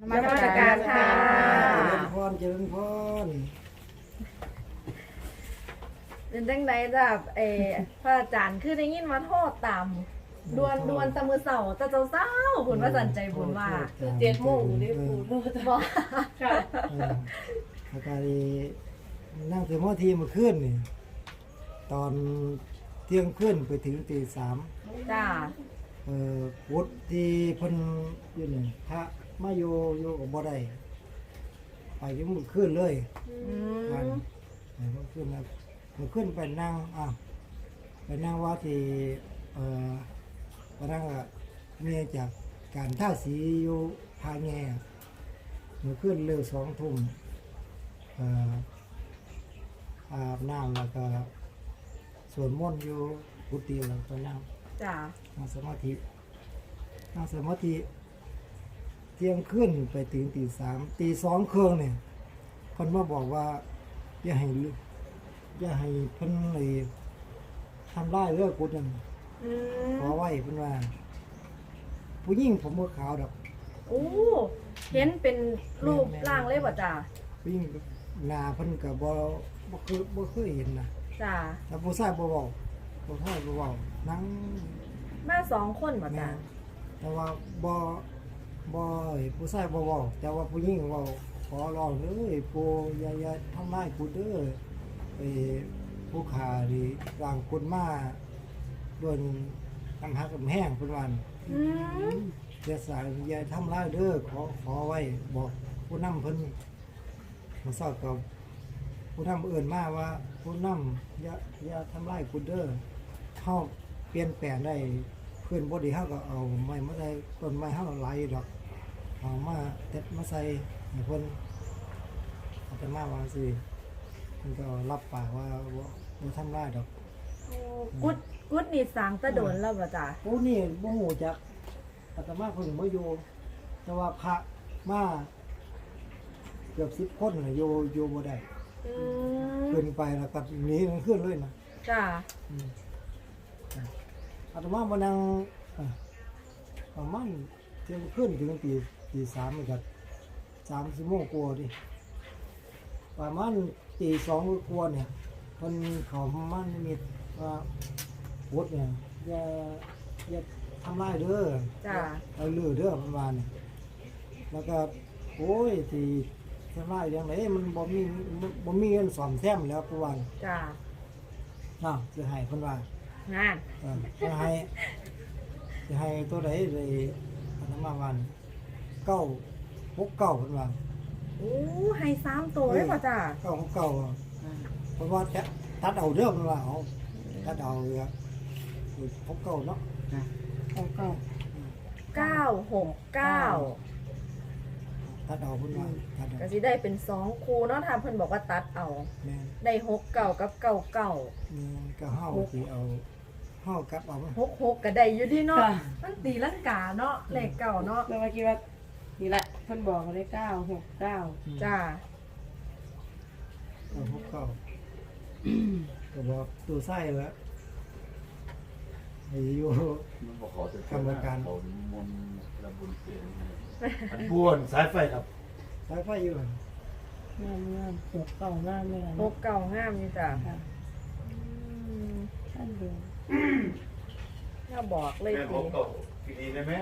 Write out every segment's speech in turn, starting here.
นมัสการค่ะเจริญพรเจริญพรเป็นจังไดจ้ะพระอาจารย์คือได้ยินมาโทษตามดวนตะมือเสาตะเจ้าเศร้าบุญว่าสันใจบุญว่าคือ 7 โมงได้พูดบอกค่ะอาการนั่งสมาธิเมื่อคืนนี่ตอนเที่ยงคืนไปถึงตี 3 จ้าวุฒิที่เพิ่นอยู่นี่พระมาอยู่กับบ่ได้ไปถึงเมื่อคืนเลยอืกันมเมื่อคืนนะเมื่อคืนไปนั่งไปนั่งว่าที่ไปนั่งเนี่ยจากการท่าสีอยู่พาแง่เมื่อคืนเร็ว2 ทุ่มอาบน้ำแล้วก็สวดมนต์อยู่กุฏิแล้วก็นั่งจ้าสมาธิเที่ยงคืนไปถึงตี 3 ตี 2เครื่องเนี่ยเพิ่นมาบอกว่าอย่าให้เพิ่นเลยทำร้ายเรื่องกุฏนั่นอืขอมไว้เพิ่นว่า ผู้หญิงผมบ่ขาวดอกโอ้เห็นเป็นรูปร่างเลยป่ะจ้าผู้หญิงหน้าเพิ่นก็บ่เคยเห็นนะจ้าแล้วผู้ชายบ่เว้าผู้ชายบ่เว้านั่งมา2 คนป่ะจ้าแต่ว่าผู้ชายบ่เว้าแต่ว่าผู้หญิงเว้าขอร้องเลยปู่อย่าทำร้ายกูเด้อผู้ขานี่ร่างคนมาโดนกำหักกำแห้งเพิ่นว่าอืมอย่าทำร้ายเด้อขอไว้บอกผู้นำเพิ่นมาสอบกับผู้นำเอื่นมาว่าผู้นำอย่าทำร้ายกูเด้อเฮาเปลี่ยนแปลงได้เพื่อนบ่ดีเฮาก็เอาไม้มาได้ต้นไม้เฮาหลายดอกเอามาเต็ดมาใส่ให้เพิ่นอาตมาว่าสิเพิ่นก็รับปากว่าบ่ทำร้ายดอกโอ้กุดนี่สร้างตะโดนแล้วป่ะจ้าโอ้นี่บ่ฮู้จักอาตมาเพิ่งมาอยู่แต่ว่าพระมาเกือบ10 คนน่ะอยู่บ่ได้อืมขึ้นไปแล้วก็หนีมันขึ้นเลยนะจ้าอืมอาตมามานั่งประมาณเที่ยงคืนถึงตี 3นี่ก็30 โมงกว่าดิประมาณตี 2กว่าเนี่ยเพิ่นเข้ามานิมิตว่าพุทธเนี่ยอย่าทำร้ายเด้อจ้าเอาลือเด้อประมาณนี้แล้วก็โอ้ยที่ทำร้ายอย่างไรมันบ่มีเงินซ่อมแซมแล้วประมาณจ้าน่ะสิให้เพิ่นว่างานสิให้ตัวใดเลยอาตมาวัน969เพิ่นว่าโอ้ให้3 ตัวเลยป่ะจ้า 969เพิ่นว่าจะตัดเอาเด้อเพิ่นว่าเอาตัดเอาเลยครับ69เนาะ 969 ตัดเอาเพิ่นว่าตัดเอาก็สิได้เป็น2คู่เนาะถ้าเพิ่นบอกว่าตัดเอาแม่นได้69กับ99 ก็เฮาสิเอาเฮากลับเอามา 66ก็ได้อยู่ดีเนาะมันตีลังกาเนาะเลขเก่าเนาะแล้วเมื่อกี้ว่านี่แหละเพิ่นบอกเลย969 จ้า 969ก็บอกตัวไส้แล้วให้อยู่มันบอกขอจะเขามนระบุญเสียงอันบ้วนสายไฟครับสายไฟอยู่หั่นงาม6 9งามเลยนะ 69งามนี่จ้ะค่ะอืมท่านเดียวน่าบอกเลยแม่ตีบอกตกทีนี้นะแม่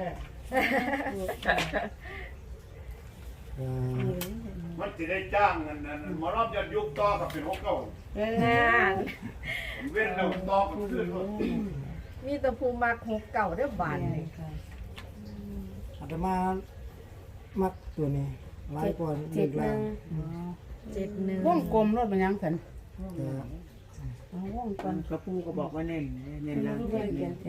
เอ่อมันจะได้จ้างเงินนั้นมารอบยันยุคต่อกับเป็น6 เก่างานเว้นเราต่อกับขึ้นมีแตะภูมัก69เด้อบาดนี่อาตมามักตัวนี้หลายกว่าเด็กแล้ว 71 วงกลมรถมันยังสันแต่วงกลมกระปูก็บอกว่าเน้นเน้นแล้วเขียน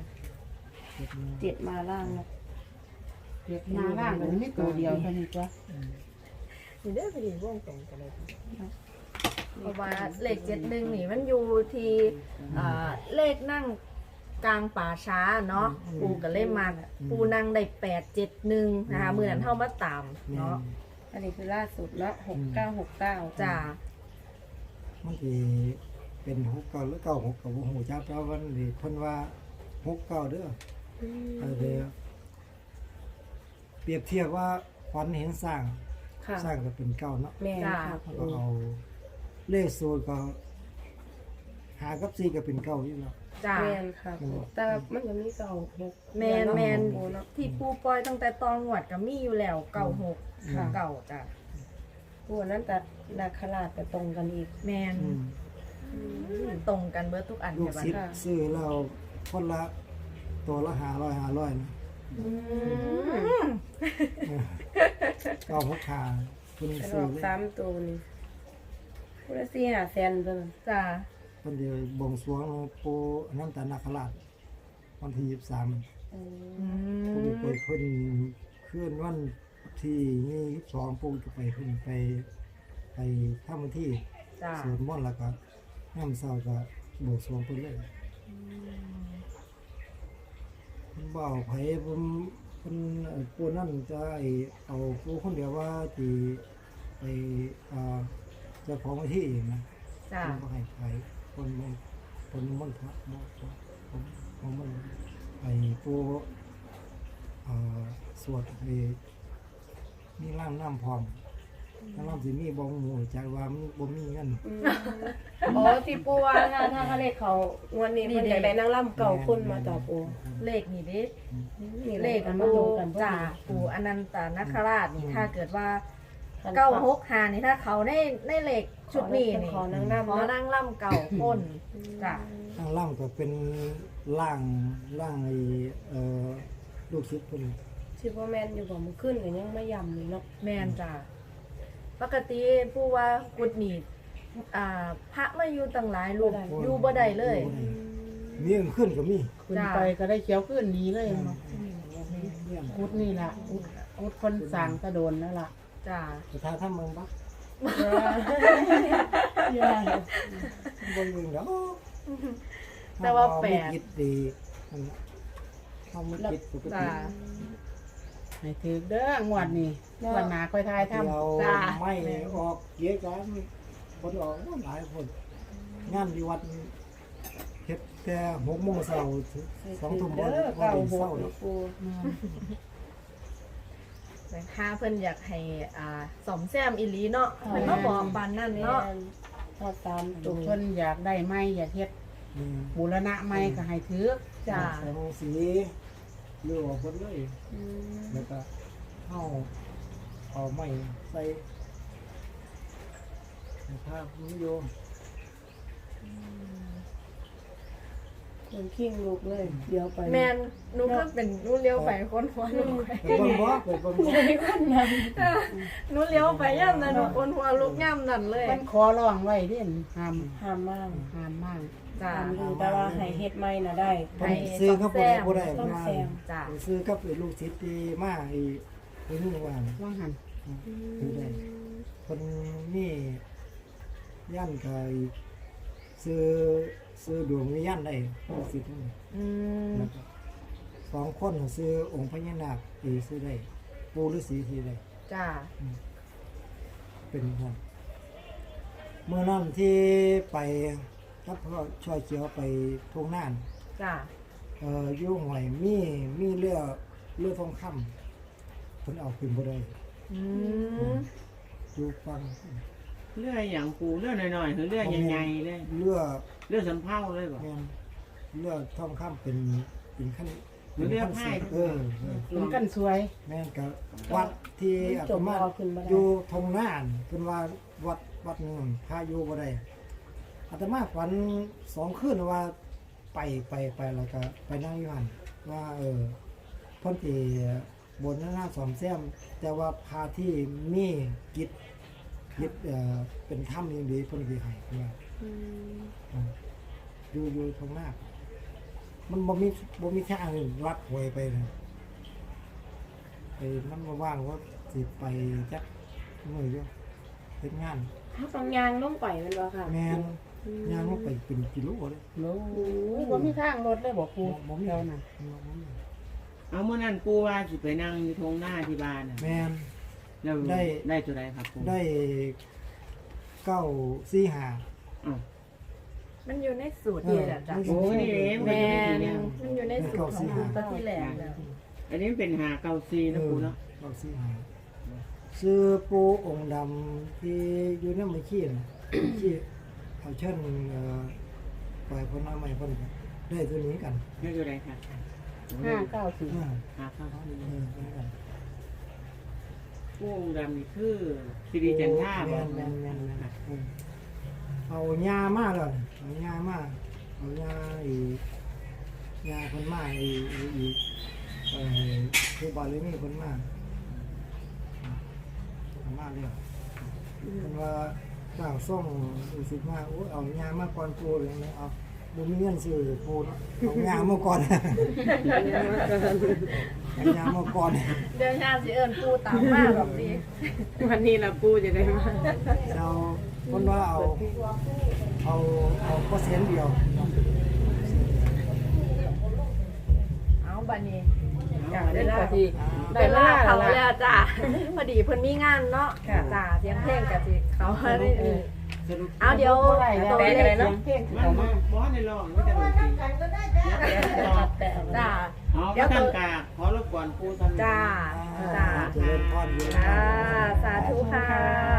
7มาล่างนะมาล่างมันไม่ตัวเดียวเท่านี้จ้ะนี่เด้อพี่วงตรงกันเลยเพราะว่าเลข71นี่มันอยู่ที่เลขนั่งกลางป่าช้าเนาะปูก็เลยมาปูนั่งได้871นะคะมื้อนั้นเฮามาตามเนาะอันนี้คือล่าสุดแล้ว6969 จ้ามันสิเป็น69หรือ96ก็บ่ฮู้จักแต่ว่ามันสิเพิ่นว่า69เด้อเดี๋ยวเปรียบเทียบว่าฝันเห็นสร้างค่ะสร้างก็เป็นเก้าเนาะแม่นค่ะแล้วก็เอาเลขสูตรก็หากับ4ก็เป็นเก้าอยู่แล้วจ้าแม่นค่ะปูแต่มันก็มีเก่าหกแมนเนาะแมนปูเนาะที่ปูปล่อยตั้งแต่ตอนหวดก็มีอยู่แล้วเก่าหกค่ะเก่าจ้ะปูนั้นแต่นาคราชก็ตรงกันอีกแมนอืมตรงกันเบิดทุกอันลูเนี่กยบัดศิษย์ค่ะซื้อแล้วคนละตัวละ500นะอืมเก้าหกขาเพิ่นเป็นอซื้ออกเลย 3ตัวนี่ผู้ละ4-5แสนเพิ่นจ้าเพิ่นเดียวบวงสรวงปู่อนันตนาคราชวันที่23 อืมอืปู่มไปเพิ่นคืนวันที่22ปู่จะไปเพิ่นไปทำพิธีจ้าสวดมนต์แล้วก็ยามเช้าก็บวงสรวงเพิ่นเลยเพิ่นบ่เอาไผเพิ่นปู่นั่นจะเอาปู่คนเดียวว่าที่ไปเจ้าของพิธีเองนะจ้าบ่ให้ไผคนมันพระผมมันไอ้ปู่สวดให้มีร่างน้ำพร้อมถ้าเราสิมีบ่ฮู้จักว่ามันบ่มีเงินอ๋อที่ปูว่าถ้าเขาเลขเขางวดนี้เพิ่นอยากได้นางร่ำเก่าคนมาจับปูเลขนี่เด้นี่เลขอันมาปูตรงกันพอดีจ้าปูอนันตนาคราชนี่ถ้าเกิดว่าคันเก้าหกหานี่ถ้าเขาในเลขชุดนี้นี่ขอนางรำขอนางล่ำเก่าพ้นจ้าข้างล่างก็เป็นร่างไอ้ลูกศิษย์เพิ่นสิบ่แม่นอยู่บ่มันขึ้นก็ยังไม่ย่ำเลยเนาะแมนจ้าปกติปูว่ากุดหนีพระมาอยู่ตั้งหลายรูปอยู่บ่ได้เลยมีอันขึ้นก็มีขึ้นไปก็ได้เขียวขึ้นหนี้เลยเนาะเนี่ยอุดนี่ล่ะอุดคนสั่งกระโดนนั่นล่ะจ้าสถานทำเมืองบักเยอะบ่ยิงดอกแต่ว่าแปลกเฮมีจิตดีนั่นน่ะเฮามีจิตปกจ้าติให้ถือเด้องวดนี้วันหนาค่อยทายทำเดี๋ยวจ้าไม่ออกเยอะกันคนออกหลายคนงานที่วัดเฮ็ดแต่6 โมงเช้าถึง2 ทุ่มบ่เด้อบ่เก่าได้หเช้าก ดนี่อกปูแต่ถ้าเพิ่นอยากให้สอมแซมอีหลีเนาะเพิ่นมาบอกปานนั้นแม่เนาะนถ้าตามตรทุงกคนอยากได้ไม้อยากเฮ็ดนี่บูรณะไม้ก็ให้ถือจ้าใส่ห้องสีเลือกออกหมดเลยอืมแล้วก็เอาไม้ใส่ภาพนิยมคนขิงลูกเลย เดี๋ยวไปแมนหนูก็เป็นหนูเลี้ยวไปคนหัวลูกไปไปเบิ่งบ่ไปเบิ่งบ่หนูเลี้ยวไปย่ำนั้นหนูคนหัวลูกย่ำนั่นเลยมันขอร้องไว้เด่นห้ามห้ามมากห้ามมากจ้าห้ามอยู่แต่ว่าให้เฮ็ดใหม่น่ะได้ผมซื้อครับบ่ได้ต้องแซมจ้าผมซื้อกับไอ้ลูกศิษย์ที่มาไอ้นี่ว่าว่างหันคือได้คนนี่ย่านก็ซื้อดวงวิญญาณได้ลูกศิษย์นี่อืมแล้วก็2 คนซื้อองค์พญานาคที่ซื้อได้ปู่ฤาษีที่ได้จ้าเป็นครับเมื่อนั้นที่ไปกับพ่อช่อยเขียวไปทุ่งน่านจ้าอยู่หวยมีเรือทองคำเพิ่นเอาขึ้นบ่ได้อืมอยู่ฟังเลื่อยอย่างปูเลื่อยหน่อยๆหรือเลื่อยใหญ่ๆเลยเรือเลื่อยสำเภาเลยบ่แม่นเรือทองคำเป็นขั้นหรือเรือพายเออมันกันสวยแม่นกับวัดที่อาตมาจมเอาขึ้นบ่ได้อยู่ทงน่านเพิ่นว่าวัดหนึงพาอยู่บ่ได้อาตมาฝัน2 คืนว่าไปแล้วก็ไปนั่งอยู่หั่นว่าเพิ่นสิบนหน้าสอมแซมแต่ว่าพาที่มีกิจเป็นถ้ำอย่างดีเพิ่นสิให้ว่า อยู่ทางหน้า มันบ่มีทางลัดหวยไปนะไปมันมาว่างว่าสิไปจักมื้ออยู่เฮ็ดงานถ้าต้องยางลงไปแมันบ่ค่ะแม่นย่างลงไปเป็นกิโลเลยโอ้ยบ่มีทางรถเลยบ่ปูบ่มีเท่านั้นเอาเมื่อนั้นปูว่าสิไปนั่งอยู่ทงหน้าที่บ้านน่ะแม่นแล้วได้ได้ตัวใดครับปูได้945 อ้าวมันอยู่ในสูตรนี่แหละจ้าโอ้นี่เองแมเป็นนเนี่ยมันอยู่ในสูตรของปูตะที่แหลกแล้วอันนี้เป็นหาเกาซีนะปูเนาะ 945 ซื้อปูองค์ดำที่อยู่ในมือขี้น่ะ ที่เอาเช่นปล่อยคนเอาใหม่คนก็ได้ตัวนี้กันนี่อยู่ไหนค่ะ 594 หาข้าวที่ได้กันผู้องค์ดำนี่คือสิริจันทราบ่แม่นเอาหญ้ามาแล้วเอาหญ้ามาเอาหญ้าอีหญ้าคนมาอีคือบาลีนี่คนมาเอามาเลยคนว่าเจ้าส่งอุสิมาโอ้เอาหญ้ามาก่อนปูเลยนะเอาบุมีเงินซื้อปูเนาะเอาหญ้ามาก่อนเอาหญ้ามาก่อนเดี๋ยวญาติสิเอิ้นปูตามมาแบบนี้วันนี้ล่ะปู่จะได้มาเราคนว่าเอาเปอร์เซ็นต์เดียวเอาบัดนี้เล่นก็ที่ได้เวลาเขาแล้วจ้า พอดีเพิ่นมีงานเนาะจ้าเสียงเพลงก็สิเขาได้นี่สรุปเอาเดี๋ยวตัวเลขเสียงเพลงมันเข้ามาบ่ในร้องไม่จะดนตรีจ้าเอาก็ทำกาขอรบกวนปูทำจ้าจ้าเจริญพรเยอะจ้าสาธุค่ะ